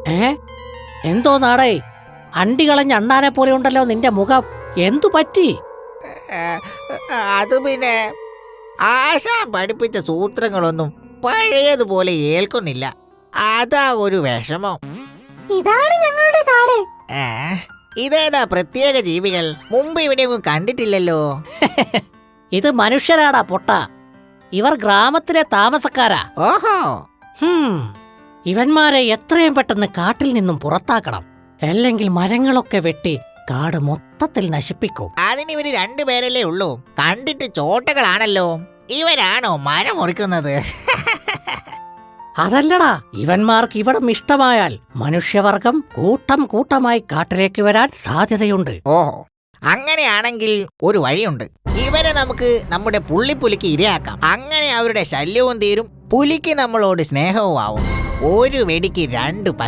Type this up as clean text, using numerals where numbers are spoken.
എന്തോ നാടേ, അണ്ടി കളഞ്ഞ അണ്ണാനെ പോലെ ഉണ്ടല്ലോ നിന്റെ മുഖം. എന്തു പറ്റി? അത് പിന്നെ ആശാൻ പഠിപ്പിച്ച സൂത്രങ്ങളൊന്നും പഴയതുപോലെ ഏൽക്കുന്നില്ല. അതാ ഒരു വിഷമം. ഇതാണ് ഞങ്ങളുടെ കാട്. ഇതേതാ പ്രത്യേക ജീവികൾ? മുമ്പ് ഇവിടെയൊന്നും കണ്ടിട്ടില്ലല്ലോ. ഇത് മനുഷ്യരാടാ പൊട്ട. ഇവർ ഗ്രാമത്തിലെ താമസക്കാരാ. ഓഹോ. ഇവന്മാരെ എത്രയും പെട്ടെന്ന് കാട്ടിൽ നിന്നും പുറത്താക്കണം. അല്ലെങ്കിൽ മരങ്ങളൊക്കെ വെട്ടി കാട് മൊത്തത്തിൽ നശിപ്പിക്കും. അതിനിവര് രണ്ടുപേരല്ലേ ഉള്ളൂ. കണ്ടിട്ട് ചോട്ടകളാണല്ലോ. ഇവരാണോ മരം മുറിക്കുന്നത്? അതല്ലടാ, ഇവന്മാർക്ക് ഇവിടം ഇഷ്ടമായാൽ മനുഷ്യവർഗം കൂട്ടം കൂട്ടമായി കാട്ടിലേക്ക് വരാൻ സാധ്യതയുണ്ട്. ഓഹോ, അങ്ങനെയാണെങ്കിൽ ഒരു വഴിയുണ്ട്. ഇവരെ നമുക്ക് നമ്മുടെ പുള്ളിപ്പുലിക്ക് ഇരയാക്കാം. അങ്ങനെ അവരുടെ ശല്യവും തീരും, പുലിക്ക് നമ്മളോട് സ്നേഹവും ആവും. ഒരു വെടിക്ക് 2 പക്ഷി.